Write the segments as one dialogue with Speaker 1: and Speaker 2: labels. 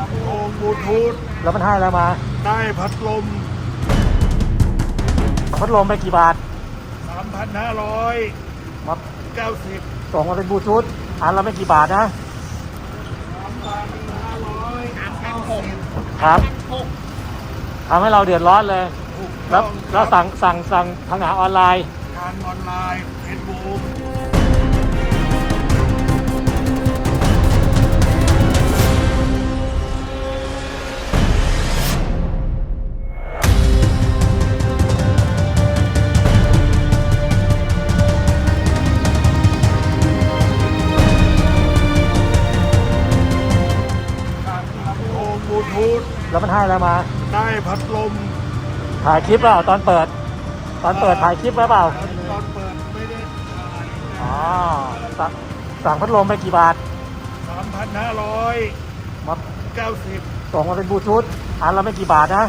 Speaker 1: โอ้บลูทูธ
Speaker 2: แล้วมันให้อะไรมา
Speaker 1: ได้พัดลม
Speaker 2: พัดลมไปกี่บาท
Speaker 1: 3,590
Speaker 2: มาส่งมาเป็นบลูทูธอันละไม่กี่บาทนะ
Speaker 1: 3,590
Speaker 2: ครับทำให้เราเดือดร้อนเลย แล้วสั่งทางหาออนไลน์
Speaker 1: ทางออนไลน์เฟซบุ๊กโอ้บลูทูธ
Speaker 2: แล้วมันให้อะไรมา
Speaker 1: ได้พัดลม
Speaker 2: ถ่ายคลิปเปล่าตอนเปิดถ่ายคลิปไว้เปล่า
Speaker 1: ตอนเปิดไม่ได้ถ่าย
Speaker 2: อ๋อสั่งพัดลมไปกี่บาท
Speaker 1: 3,590
Speaker 2: มาส่งมาเป็นบลูทูธอันละไม่กี่บาทนะ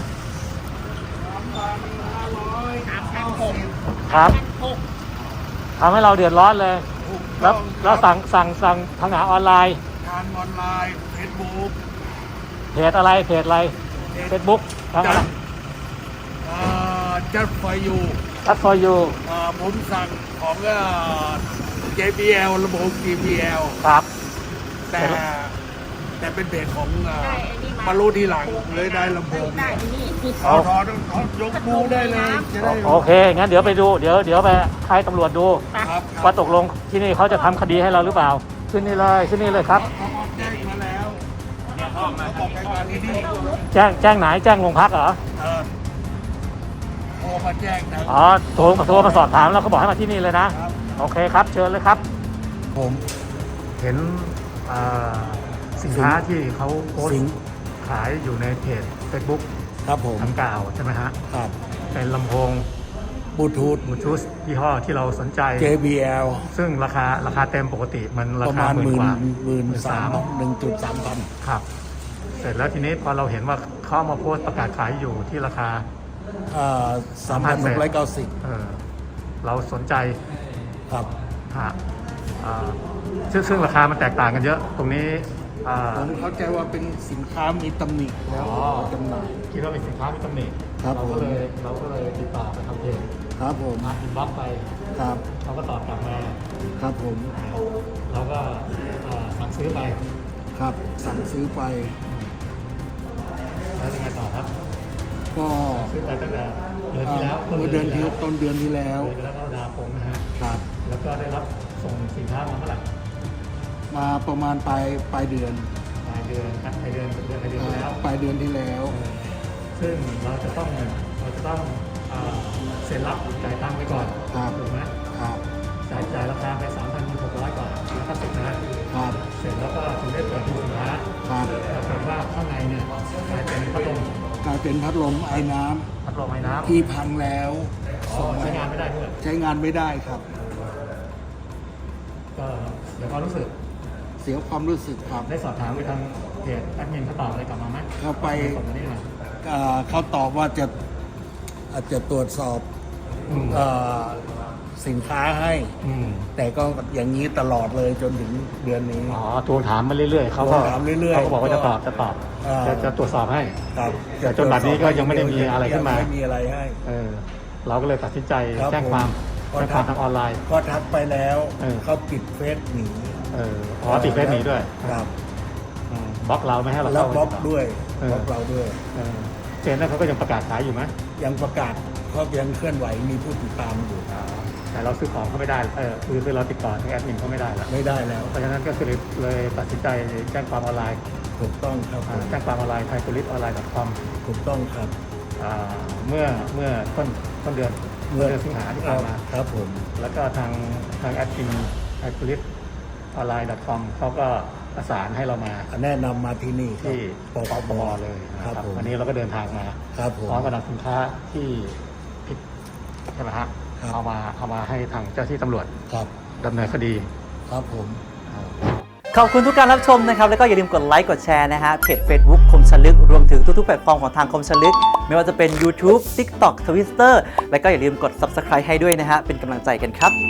Speaker 1: 3,590
Speaker 2: ครับทำให้เราเดือดร้อนเลย แล้วสั่งทางหาออนไลน์
Speaker 1: ทางออนไลน์เฟซบุ๊ก
Speaker 2: เพจอะไรเฟซบุ๊กทางอะไร
Speaker 1: จัดไฟอยู่
Speaker 2: ทัดฟอร์ยู
Speaker 1: ผมสั่งของJBL ลำโพง JBL
Speaker 2: ครับ
Speaker 1: แต่เป็นเพจของมารู้ทีหลังเลยได้ลำโพง
Speaker 3: ได้นี่
Speaker 1: ถอดยกดูได้เลยจะได้
Speaker 2: โอเคงั้นเดี๋ยวไปดูเดี๋ยวไปให้ตำรวจดู
Speaker 1: ครับ
Speaker 2: ว่าตกลงที่นี่เขาจะทำคดีให้เราหรือเปล่าขึ้นนี่เลยครับ
Speaker 1: เขาแจ้งมาแล้วเขาบอกให้มาที่นี่
Speaker 2: แจ้งไหนแจ้งโรงพักเหรอ
Speaker 1: โทรมาแจ้งนะ
Speaker 2: อ๋อโทรมาสอบถามแล้วเขาบอกให้มาที่นี่เลยนะ
Speaker 1: ครับ
Speaker 2: โอเคครับเชิญเลยครับ
Speaker 1: ผม
Speaker 2: เห็นสินค้าที่เขาโพสต์ขายอยู่ในเพจ Facebook
Speaker 1: ครับผม
Speaker 2: ดังกล่าวใช่ไหมฮะ
Speaker 1: ครับ
Speaker 2: เป็นลำโพง
Speaker 1: บลูทูธ
Speaker 2: บลูทูธยี่ห้อที่เราสนใจ
Speaker 1: JBL
Speaker 2: ซึ่งราคาเต็มปกติมันรา
Speaker 1: ประ
Speaker 2: คา
Speaker 1: มาณ
Speaker 2: หมื่นกว่า
Speaker 1: 13,000
Speaker 2: ครับ เสร็จแล้วทีนี้พอเราเห็นว่าเขามาโพสต์ประกาศขายอยู่ที่ราคา
Speaker 1: 3,690
Speaker 2: เราสนใจ
Speaker 1: ครับ
Speaker 2: ฮะซึ่งราคามันแตกต่างกันเยอะ ตรงนี้
Speaker 1: ผมเข้าใจว่าเป็นสินค้ามีตำหนิแล้ว
Speaker 2: อ๋อ
Speaker 1: จำหน่าย
Speaker 2: คิดว่าเป็นสินค้ามีตำหนิ
Speaker 1: ครับ
Speaker 2: เราก็เลยติดต่อไปทำเพจ
Speaker 1: ครับผม
Speaker 2: อินบ็อกซ์ไป
Speaker 1: ครับ
Speaker 2: เขาก็ตอบกลับมา
Speaker 1: ครับผม
Speaker 2: เราก็สั่งซื้อไป
Speaker 1: ครับสั่งซื้อไป
Speaker 2: แล้วยังไงต่อครับ
Speaker 1: ก็
Speaker 2: ซื้อไปตั้งแต่เดือนที่แล้ว
Speaker 1: เมื่อเดือนที่ต้นเดือนที่แล้ว
Speaker 2: เดือนกรกฎาคมนะฮะ
Speaker 1: ครับ
Speaker 2: แล้วก็ได้รับส่งสินค้ามาเมื่อไหร่
Speaker 1: มาประมาณปลายเดือน
Speaker 2: ปลายเดือนที่แล้ว
Speaker 1: ปลายเดือนที่แล้ว
Speaker 2: ซึ่งเราจะต้องเซ็นรับจ่ายตังค์ไปก่อน
Speaker 1: ครับ
Speaker 2: ถูกไหม
Speaker 1: ครับ
Speaker 2: จ่ายราคาไป 3,600 กว่าแล้วก็สิบนะครับ เสร็จแล้วก็ถึงได้เปิดดูสินค้า
Speaker 1: ครับ
Speaker 2: ปรากฏว่าข้างในเนี่ยกลายเป็นพัดลม
Speaker 1: กลายเป็นพัดลมไอ้น้ำ
Speaker 2: พัดลมไอ้น้ำ
Speaker 1: ที่พังแล้ว
Speaker 2: ใช้งานไม่ได้ด้วย
Speaker 1: ใช้งานไม่ได้ครับ
Speaker 2: ก็เดี๋ยวความรู้สึก
Speaker 1: เสียความรู้สึกครับ
Speaker 2: ได้สอบถามไปทางเพจแอดมินเขาตอบอะไรกลับมาไหม
Speaker 1: เข้าไป
Speaker 2: ส่งมานี่หน่อย
Speaker 1: เขาตอบว่าอาจจะตรวจสอบ
Speaker 2: อืม
Speaker 1: สินค้าให้
Speaker 2: อืม
Speaker 1: แต่ก็อย่างนี้ตลอดเลยจนถึงเดือนนี้
Speaker 2: อ๋อทวงถามมาเรื่อยๆเขาก็
Speaker 1: ทวงถามเรื่อยๆ
Speaker 2: เขาก็บอกว่าจะตอบ
Speaker 1: อ่า
Speaker 2: จะตรวจสอบให้
Speaker 1: ครับ
Speaker 2: แต่จนบัดนี้ก็ยังไม่ได้มีอะไรขึ้นมา
Speaker 1: ยังไม่มีอะไรให้
Speaker 2: เราก็เลยตัดสินใจ
Speaker 1: ครับ
Speaker 2: แจ้งความ
Speaker 1: ผม
Speaker 2: ทางออนไลน์
Speaker 1: ก็ทักไปแล้ว
Speaker 2: เออ
Speaker 1: เขาปิดเฟซหนี
Speaker 2: ติดเฟซหนีด้วย
Speaker 1: ครับ
Speaker 2: บล็อกเราไม่ให้เรา
Speaker 1: แล้ว
Speaker 2: เข้า
Speaker 1: บล็อกด้วย
Speaker 2: เออ
Speaker 1: บล็อกเราด้วย
Speaker 2: เจนนั้นเขาก็ยังประกาศขายอยู่ไหม
Speaker 1: ยังประกาศเขายังเคลื่อนไหวมีผู้ติดตามอยู่
Speaker 2: แต่เราซื้อของเขาไม่ได้คือเราติดต่อทางแอดมินเขาไม่ได้แล้ว
Speaker 1: ไม่ได้แล้ว
Speaker 2: เพราะฉะนั้นก็คือเลยตัดสินใจแจ้งความออนไลน์
Speaker 1: ถูกต้องครับผม
Speaker 2: แจ้งความออนไลน์ไทยโพลิสออนไลน์ .com
Speaker 1: ถูกต้องครับ
Speaker 2: เมื่อต้นเดือนสิงหาที่ผ่านมา
Speaker 1: ครับผม
Speaker 2: แล้วก็ทางแอดมินไทยโพลิสออนไลน์ .com เขาก็ประสานให้เรามา
Speaker 1: แนะนำมาที่นี่ครับ
Speaker 2: ที่
Speaker 1: ป
Speaker 2: ป
Speaker 1: ป
Speaker 2: ป
Speaker 1: บ
Speaker 2: เลยนะ
Speaker 1: ค
Speaker 2: ค
Speaker 1: รั
Speaker 2: รั
Speaker 1: บบ ผม
Speaker 2: วันนี้เราก็เดินทางมา
Speaker 1: ครับผม
Speaker 2: พร้อมกับนำสินค้าที่ผิดใช่ไหมฮะ
Speaker 1: ครับ
Speaker 2: เอามาให้ทางเจ้าที่ตำรวจ
Speaker 1: ครับ
Speaker 2: ดำเนินคดี
Speaker 1: ครับผม
Speaker 4: ขอบคุณทุกการรับชมนะครับ แล้วก็อย่าลืมกดไลค์กดแชร์นะฮะเพจ Facebook คมชลึกรวมถึงทุกๆแพลตฟอร์มของทางคมชลึก ไม่ว่าจะเป็น YouTube TikTok Twitter แล้วก็อย่าลืมกด Subscribe ให้ด้วยนะฮะเป็นกำลังใจกันครับ